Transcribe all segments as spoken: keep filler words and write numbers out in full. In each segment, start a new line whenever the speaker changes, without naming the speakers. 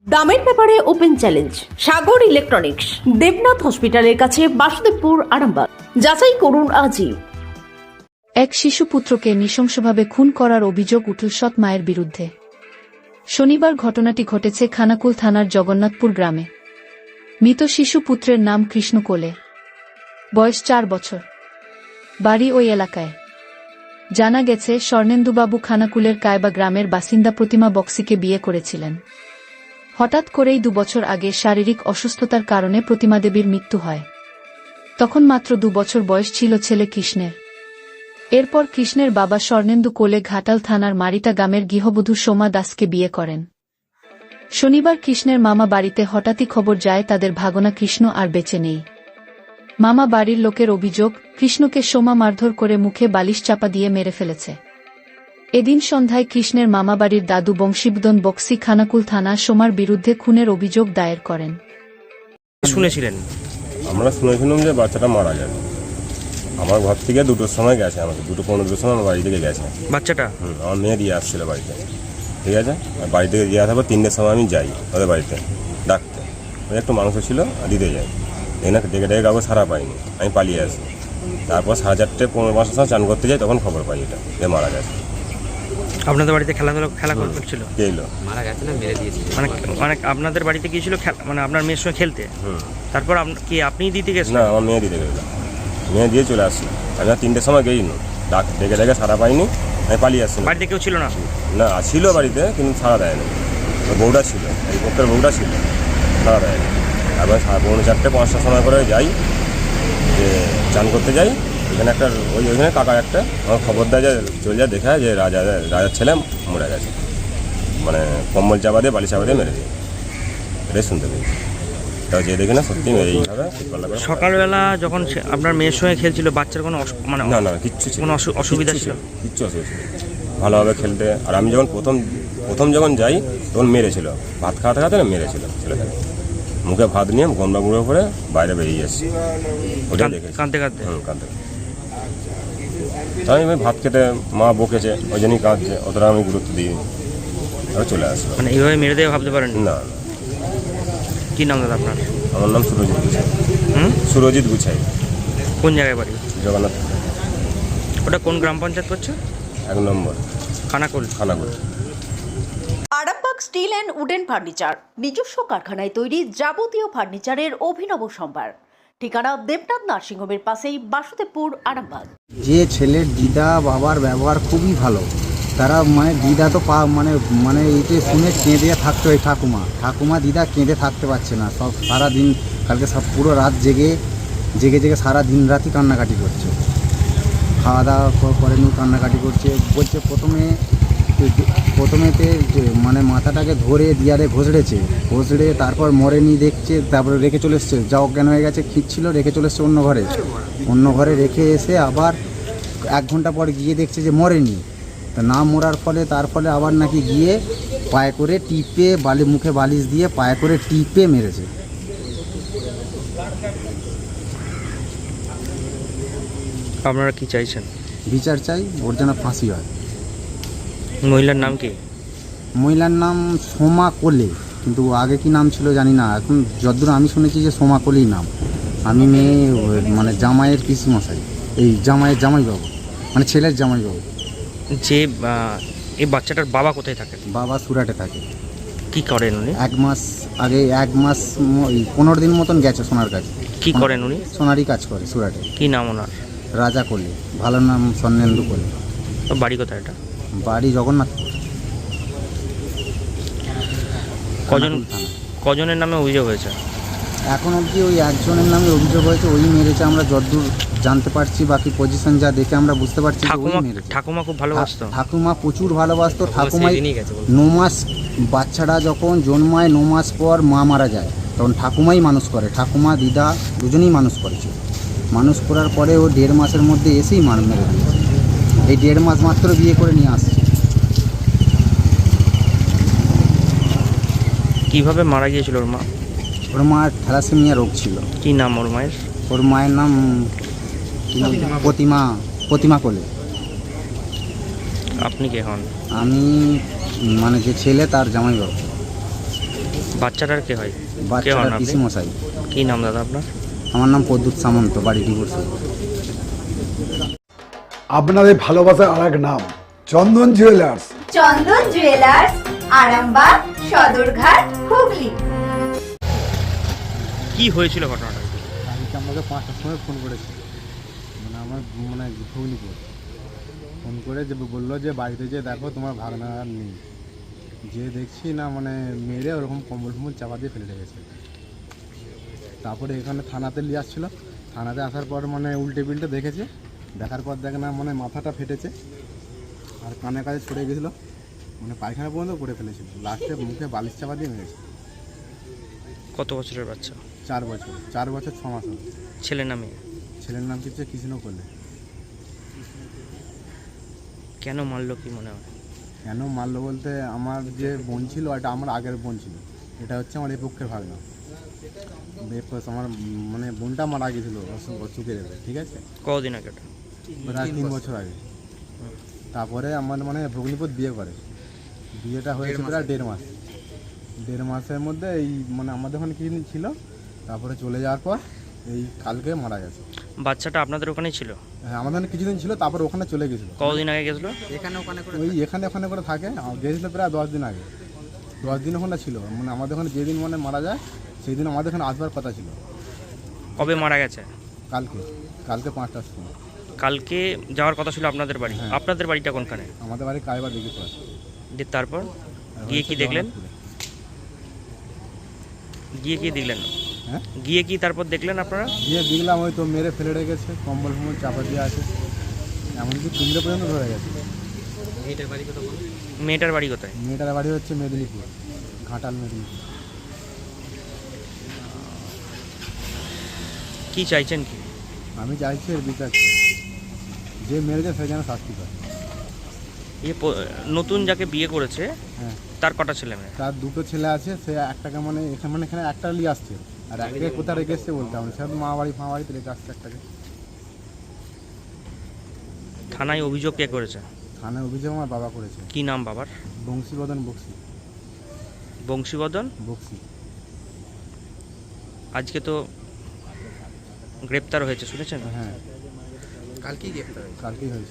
দামের ব্যাপারে open challenge Sagar electronics, Debnath হসপিটালের কাছে, বাসুদেবপুর, আরামবাগ। যাচাই করুন আজই।
এক শিশুপুত্রকে নৃশংসভাবে খুন করার অভিযোগ উঠল সৎ মায়ের বিরুদ্ধে। শনিবার ঘটনাটি ঘটেছে খানাকুল থানার জগন্নাথপুর গ্রামে। মৃত শিশুপুত্রের নাম কৃষ্ণ কোলে, বয়স চার বছর, বাড়ি ওই এলাকায়। জানা গেছে, স্বর্ণেন্দুবাবু খানাকুলের কায়বা গ্রামের বাসিন্দা প্রতিমা বক্সিকে বিয়ে করেছিলেন। হঠাৎ করেই দুবছর আগে শারীরিক অসুস্থতার কারণে প্রতিমা দেবীর মৃত্যু হয়। তখন মাত্র দু বছর বয়স ছিল ছেলে কৃষ্ণের। এরপর কৃষ্ণের বাবা স্বর্ণেন্দু কোলে ঘাটাল থানার মারিতা গ্রামের গৃহবধূ সোমা দাসকে বিয়ে করেন। শনিবার কৃষ্ণের মামা বাড়িতে হঠাৎই খবর যায় তাদের ভাগনা কৃষ্ণ আর বেঁচে নেই। মামা বাড়ির লোকের অভিযোগ, কৃষ্ণকে সোমা মারধর করে মুখে বালিশ চাপা দিয়ে মেরে ফেলেছে। এদিন সন্ধ্যায় কৃষ্ণের মামাবাড়ির দাদু বংশীবদন বক্সি খানাকুল থানা সোমার বিরুদ্ধে খুনের অভিযোগ দায়ের করেন।
শুনেছিলেন?
আমরা শুনেছিলাম যে বাচ্চাটা মারা যাবে। আমার ঘর থেকে দুটোর সময় গেছে, আমাকে দুটো পনেরোর সময় আমার বাড়ি থেকে গেছে
বাচ্চাটা।
হুম আমার মেয়ে দিয়ে আসছিল বাড়িতে, ঠিক আছে। আর বাড়ি থেকে দিয়ে আসার পর তিনটের সময় আমি যাই ওদের বাড়িতে ডাকতে, ওই একটু মাংস ছিল দিতে যাই, এখানে ডেকে ডেকে কাউকে সারা পাইনি, আমি পালিয়ে আসি। তারপর সাড়ে চারটে পনেরো পাঁচটার সময় চান করতে যাই, তখন খবর পাই এটা যে মারা গেছে।
আপনাদের বাড়িতে খেলাধুলা খেলা করছিল?
কে এলো?
মারা গেছে না মেরে দিয়েছিল।
মানে মানে আপনাদের বাড়িতে গিয়েছিল মানে আপনার মেয়ের সঙ্গে খেলতে?
হুম
তারপর কি আপনিই দিতে গেছেন?
না, আমার মেয়ে দিতে গেছিলাম, মেয়ে দিয়ে চলে আসছি। আমি আর তিনটের সময় গেই না, ডাক ডেকে ডেকে সারা পাইনি, আমি পালিয়ে আসছি।
বাড়িতে কেউ ছিল না?
না, ছিল বাড়িতে, কিন্তু সারা দেয়নি। বউটা ছিল, এই পক্ষের বউটা ছিল, সারা দেয়নি। তারপরে পৌনে চারটে পাঁচটার সময় করে যাই, যে চান করতে যাই, এখানে একটা ওই ওইখানে কাকা একটা আমার খবর দেয় যে চলে যায়, দেখা যে রাজা রাজার ছেলে মরে গেছে, মানে কম্বল চাপা দিয়ে বালি চাপা দিয়ে মেরে দিয়ে, এটাই শুনতে পেয়েছি। তাও যে দেখি না সত্যি এইভাবে।
সকালবেলা যখন আপনার মেয়ের সঙ্গে খেলছিল, বাচ্চার কোনো মানে
না না কিচ্ছু ছিল,
কোনো অসুবিধা ছিল?
কিচ্ছু অসুবিধা ছিল, ভালোভাবে খেলতে। আর আমি যখন প্রথম প্রথম যখন যাই তখন মেরেছিল, ভাত খাওয়াতে খাওয়াতে না মেরেছিল ছেলেটাকে, মুখে ভাত নিয়ে গন্ডা গুঁড়ো করে বাইরে বেরিয়ে এসেছি, ওটাই দেখেছি।
কাঁদতে কাঁদতে?
হুম কাঁদতে। তাই আমি ভাত খেতে মা বকেছে, ওই জন্যই কাঁদছে, অতটা আমি গুরুত্ব দিই, আর চলে আসলো।
মানে এইভাবে মেরে দেবে ভাবতে পারেন
না না।
কি নাম দাদা আপনার?
আমার নাম সুরজিৎ গুছাই।
হুম
সুরজিৎ গুছাই।
কোন জায়গায় বাড়ি?
জগন্নাথ।
ওটা কোন গ্রাম পঞ্চায়েত করছে?
এক number
Khanakul.
Khanakul.
Arambagh steel and wooden furniture, নিজস্ব কারখানায় তৈরি যাবতীয় ফার্নিচারের অভিনব সম্ভার। ঠিকানা দেবনাথ নার্সিংহোমের পাশেই, বাসুদেবপুর, আরামবাগ।
যে ছেলের দিদা বাবার ব্যবহার খুবই ভালো, তারা মানে দিদা তো পা মানে মানে এইটা শুনে কেঁদে থাকতো, এই ঠাকুমা ঠাকুমা দিদা কেঁদে থাকতে পারছে না, সব সারা দিন কালকে সব পুরো রাত জেগে জেগে জেগে সারা দিন রাতই কান্নাকাটি করছে, খাওয়া দাওয়া করেনি, কান্নাকাটি করছে। বলছে প্রথমে প্রথমেতে মানে মাথাটাকে ধরে দিয়ারে ঘষড়েছে, ঘষড়ে তারপর মরেনি দেখছে, তারপরে রেখে চলে এসছে, যা অজ্ঞান হয়ে গেছে, খিঁচছিল, রেখে চলে এসছে অন্য ঘরে। অন্য ঘরে রেখে এসে আবার এক ঘন্টা পর গিয়ে দেখছে যে মরেনি, তা না মরার ফলে তার ফলে আবার নাকি গিয়ে পায়ে করে টিপে বালি মুখে বালিশ দিয়ে পায়ে করে টিপে মেরেছে।
আপনারা কি চাইছেন?
বিচার চাই, ওর যেন ফাঁসি হয়।
মহিলার নাম কি?
মহিলার নাম সোমা কোলে, কিন্তু আগে কি নাম ছিল জানি না, এখন যতদূর আমি শুনেছি যে সোমা কোলেই নাম। আমি মেয়ে মানে জামাইয়ের পিসিমশাই, এই জামাইয়ের জামাইবাবু, মানে ছেলের জামাইবাবু।
যে এই বাচ্চাটার বাবা কোথায় থাকে?
বাবা সুরাটে থাকে।
কি করেন উনি?
এক মাস আগে এক মাস ওই পনেরো দিন মতন গেছে সোনার কাছে।
কি করেন উনি?
সোনারই কাজ করে সুরাটে।
কি নাম ওনার?
রাজা কোলে, ভালো নাম স্বর্ণেন্দু কোলে।
বাড়ি কোথায় এটা?
বাড়ি জগন্নাথ।
কজন কজনের নামে অভিযোগ হয়েছে?
এখন অবধি ওই একজনের নামে অভিযোগ হয়েছে, ওই মেরেছে আমরা যতদূর জানতে পারছি, বাকি পজিশন যা দেখে আমরা বুঝতে পারছি।
ঠাকুমা ঠাকুমা খুব ভালোবাসতো?
ঠাকুমা প্রচুর ভালোবাসতো। ঠাকুমাই ন মাস বাচ্চাটা যখন জন্মায়, ন মাস পর মা মারা যায়, তখন ঠাকুমাই মানুষ করে, ঠাকুমা দিদা দুজনেই মানুষ করেছে। মানুষ করার পরে ও দেড় মাসের মধ্যে এসেই মার মেরে দিয়েছে। এই দেড় মাস মাত্র বিয়ে করে নিয়ে আসছে।
কিভাবে মারা গিয়েছিল ওর মা?
ওর মার থ্যালাসেমিয়া রোগ ছিল।
কি নাম ওর মায়ের?
ওর মায়ের নাম প্রতিমা প্রতিমা কোলে।
আপনি কে হন?
আমি মানে যে ছেলে তার জামাইবাবু।
বাচ্চাটার কে হয়? কে হন
বাচ্চাটা
আপনি?
পিসি মশাই।
কি নাম দাদা আপনার?
আমার নাম প্রদ্যুৎ সামন্ত, বাড়ি ডিভোর্স।
আপনাদের ভালোবাসার আর এক নাম চন্দন জুয়েলার্স।
চন্দন জুয়েলার্স, আরামবাগ, সদরঘাট, হুগলি।
কি হয়েছিল ঘটনাটা?
কালকে আমাকে পাঁচটার সময় ফোন করেছে, মানে আমার মানে ঘুগনিপুর ফোন করে যে বললো যে বাড়িতে যে দেখো তোমার ভাগনা আর নেই। যে দেখছি না মানে মেরে ওরকম কম্বল ফম্বল চাপা দিয়ে ফেলে রেখেছে। তারপরে এখানে থানাতে নিয়ে আসছিল, থানাতে আসার পর মানে উল্টে পিল্টে দেখেছে, দেখার পর দেখে না মানে মাথাটা ফেটেছে আর কানের কাছে ছড়ে গেছিলো, মানে পায়খানা পর্যন্ত করে ফেলেছিল। লাস্টে মুখে বালিশ চাপা দিয়ে মেরেছে।
কত বছরের বাচ্চা?
চার বছর চার বছর ছ মাস হলো।
ছেলে না মেয়ে?
ছেলের নাম কি হচ্ছে কৃষ্ণ করলে।
কেন মারলো কি মনে হয়?
কেন মারলো বলতে, আমার যে বোন ছিল এটা আমার আগের বোন ছিল, এটা হচ্ছে আমার এই পক্ষের ভাগনা। আমার মানে বোনটা মারা গেছিল চুকে রেখে, ঠিক আছে।
কদিন আগে ওটা?
প্রায় তিন বছর আগে। তারপরে আমার মানে ভগ্নিপতি বিয়ে করে, বিয়েটা হয়েছে প্রায় দেড় মাস। দেড় মাসের মধ্যে এই মানে আমাদের ওখানে কিছুদিন ছিল, তারপরে চলে যাওয়ার পর এই কালকে মারা গেছে।
বাচ্চাটা আপনাদের ওখানেই ছিল?
হ্যাঁ, আমাদের ওখানে কিছুদিন ছিল, তারপর ওখানে চলে গেছিলো।
কদিন আগে গেছিলো?
ওই এখানে ওখানে করে থাকে, গেছিলো প্রায় দশ দিন আগে। দশ দিন ওখানে ছিল, মানে আমাদের ওখানে যেদিন মানে মারা যায় সেই দিন আমাদের এখানে আসবার কথা ছিল।
কবে মারা গেছে?
কালকে কালকে পাঁচটার সময়।
কালকে যাওয়ার কথা ছিল আপনাদের বাড়ি?
হ্যাঁ।
আপনাদের বাড়িটা কোনখানে?
আমাদের বাড়ি কায়বা দেখি তো আছে।
যে তারপর গিয়ে কি দেখলেন? গিয়ে কি দেখলেন?
হ্যাঁ,
গিয়ে কি তারপর দেখলেন আপনারা?
গিয়ে দেখলাম ওই তো মেরে ফেলে রেখেছে, কম্বল ফম্বল চাপা দিয়ে আছে, এমনকি তিনটে পর্যন্ত ধরে গেছে।
মেয়েটার বাড়ি কোথায়?
মেয়েটার বাড়ি হচ্ছে মেদিনীপুর, ঘাটাল মেদিনীপুর।
কি চাইছেন কি?
আমি চাইছি এর বিচার চাই। যে মেরেছে সে যেন শাস্তি পায়।
এ প- নতুন যাকে বিয়ে করেছে
হ্যাঁ,
তার কটা ছেলে মেয়ে?
তার দুটো ছেলে আছে, সে একটাকে মানে এখানে মানে এখানে একটা নিয়ে আসছে, আর একটাকে কোথায় রেখে এসছে বলতে হবে, সে তো মা বাড়ি ফা বাড়িতে রেখে আসছে একটাকে।
থানায় অভিযোগ কে করেছে?
থানায় অভিযোগ আমার বাবা করেছে।
কি নাম বাবার?
বংশীবদন বক্সি।
বংশীবদন
বক্সি।
আজকে তো গ্রেপ্তার হয়েছে শুনেছেন?
হ্যাঁ, কালকেই গ্রেপ্তার কালকেই হয়েছে।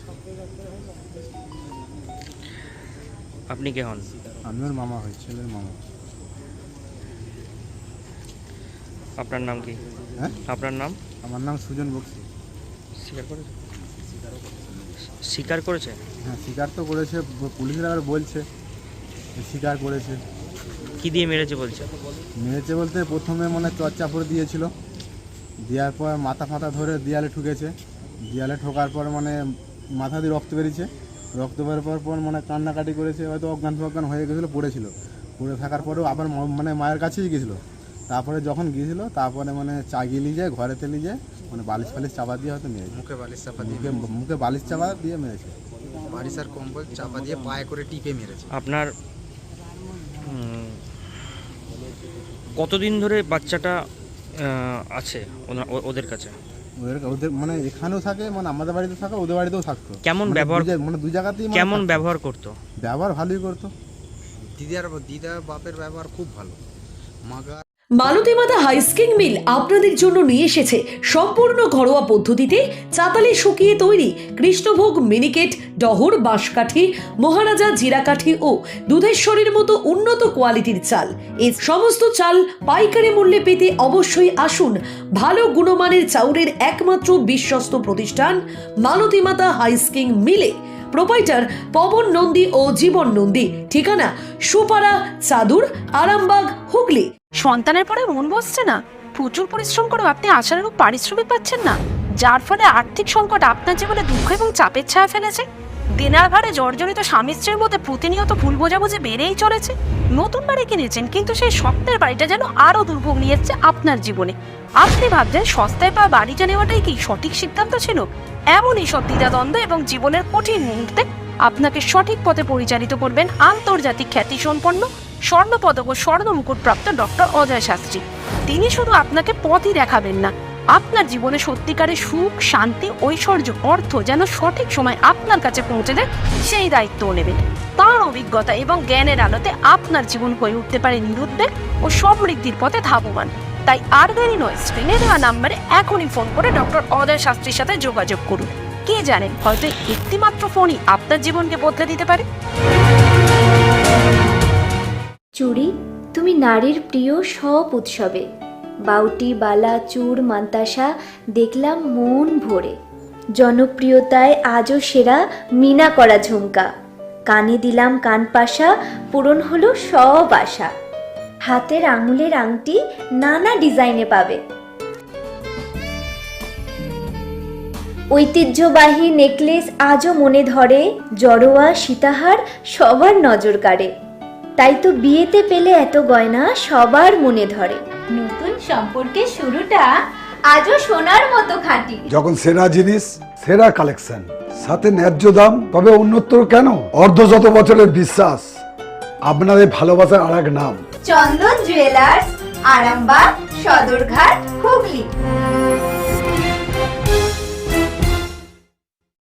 আপনি কে হন?
আমি ওর মামা হই, ছেলের মামা।
আপনার নাম কি?
হ্যাঁ,
আপনার নাম?
আমার নাম সুজন বক্সি।
স্বীকার করেছে? স্বীকার করেছে?
হ্যাঁ, স্বীকার তো করেছে, পুলিশের আবার বলছে স্বীকার করেছে।
কি দিয়ে মেরেছে বলছে?
মেরেছে বলতে প্রথমে মনে চর্চাপুর দিয়েছিল, দেওয়ার পর মাথা ফাথা ধরে দেয়ালে ঠুকেছে, দেয়ালে ঠোকার পর মানে মাথা দিয়ে রক্ত বেরিয়েছে, রক্ত বেরোর পর পর মানে কান্নাকাটি করেছে, হয়তো অজ্ঞান ফজ্ঞান হয়ে গেছিলো, পড়েছিল। পড়ে থাকার পরেও আবার ম- মানে মায়ের কাছেই গেছিলো। তারপরে যখন গিয়েছিলো তারপরে মানে চাগিয়ে নিয়ে যায়, ঘরেতে নিয়ে যায়, মানে বালিশ ফালিশ চাপা দিয়ে হয়তো মেরেছে।
মুখে বালিশ চাপা দিয়ে
মুখে মুখে বালিশ চাপা দিয়ে মেরেছে।
বালিশ আর কম্বল চাপা দিয়ে পায়ে করে টিপে মেরেছে।
আপনার উম, কতদিন ধরে বাচ্চাটা আহ, আছে ওনা- ও- ওদের কাছে?
ওদের ওদের মানে এখানেও থাকে, মানে আমাদের বাড়িতে থাকে, ওদের বাড়িতেও থাকতো।
কেমন
মানে
ব্যবহার-
দু জায়- মানে দু জায়গাতেই মানে
কেমন
থাকতো।
ব্যবহার করতো?
ব্যবহার ভালোই করতো।
দিদার দিদা বাপের ব্যবহার খুব ভালো। মাগা
মালতীমাতা হাইস্কিং মিল আপনাদের জন্য নিয়ে এসেছে সম্পূর্ণ ঘরোয়া পদ্ধতিতে চাতালে শুকিয়ে তৈরি কৃষ্ণভোগ মিনিকেট, ডহর, বাঁশকাঠি, মহারাজা জিরাকাঠি ও দুধেশ্বরীর মতো উন্নত কোয়ালিটির চাল। এই সমস্ত চাল পাইকারি মূল্যে পেতে অবশ্যই আসুন ভালো গুণমানের চাউলের একমাত্র বিশ্বস্ত প্রতিষ্ঠান মালতীমাতা হাইস্কিং মিলে। প্রোপাইটার পবন নন্দী ও জীবন নন্দী। ঠিকানা সুপারা, চাদুর, আরামবাগ, হুগলি।
সন্তানের পরে মন বসছে না, প্রচুর পরিশ্রম করেও আপনি আশানুরূপ পারিশ্রমিক পাচ্ছেন না, যার ফলে আর্থিক সংকট আপনার জীবনে দুঃখ এবং চাপের ছায়া ফেলেছে। দিনার ভারে জর্জরিত স্বামী স্ত্রীর মধ্যে প্রতিনিয়ত ভুল বোঝাবুঝি বেড়েই চলেছে। নতুন বাড়ি কিনেছেন, কিন্তু সেই স্বপ্নের বাড়িটা যেন আরও দুর্ভোগ নিয়ে এসছে আপনার জীবনে। আপনি ভাবছেন সস্তায় পাওয়া বাড়িটা নেওয়াটাই কি সঠিক সিদ্ধান্ত ছিল? এমনই সব দ্বিধাদ্বন্দ্ব এবং জীবনের কঠিন মুহূর্তে আপনাকে সঠিক পথে পরিচালিত করবেন আন্তর্জাতিক খ্যাতিসম্পন্ন স্বর্ণপদক ও স্বর্ণ মুকুটপ্রাপ্ত ডক্টর অজয় শাস্ত্রী। তিনি শুধু আপনাকে পথই দেখাবেন না, আপনার জীবনে সত্যিকারের সুখ, শান্তি, ঐশ্বর্য, অর্থ যেন সঠিক সময় আপনার কাছে পৌঁছে দেয়, সেই দায়িত্বও নেবেন। তার অভিজ্ঞতা এবং জ্ঞানের আলোতে আপনার জীবন হয়ে উঠতে পারে নিরুদ্বেগ ও সমৃদ্ধির পথে ধাবমান। তাই আর দেরি নয়, স্ক্রিনে দেওয়া নাম্বারে এখনই ফোন করে ডক্টর অজয় শাস্ত্রীর সাথে যোগাযোগ করুন। কে জানেন, হয়তো একটিমাত্র ফোনই আপনার জীবনকে বদলে দিতে পারে।
চুড়ি, তুমি নারীর প্রিয় সব উৎসবে। বাউটি, বালা, চূড়, মান্তাসা দেখলাম মন ভরে। জনপ্রিয়তায় আজও সেরা মিনা করা ঝুমকা। কানে দিলাম কানপাশা, পূরণ হলো সব আশা। হাতের আঙুলের আংটি নানা ডিজাইনে পাবে। ঐতিহ্যবাহী নেকলেস আজও মনে ধরে। জড়োয়া, সীতাহার সবার নজর কাড়ে। তাই তো বিয়েতে পেলে এত গয়না সবার মনে ধরে। নতুন সম্পর্কের শুরুটা আজও সোনার মতো খাঁটি।
যখন সেরা জিনিস, সেরা কালেকশন, সাথে ন্যায্য দাম, তবে উন্নতর কেন? অর্ধ শত বছরের বিশ্বাস, আপনাদের ভালোবাসার আর এক নাম।
চন্দন জুয়েলার্স, আরামবাগ, সদরঘাট, হুগলি।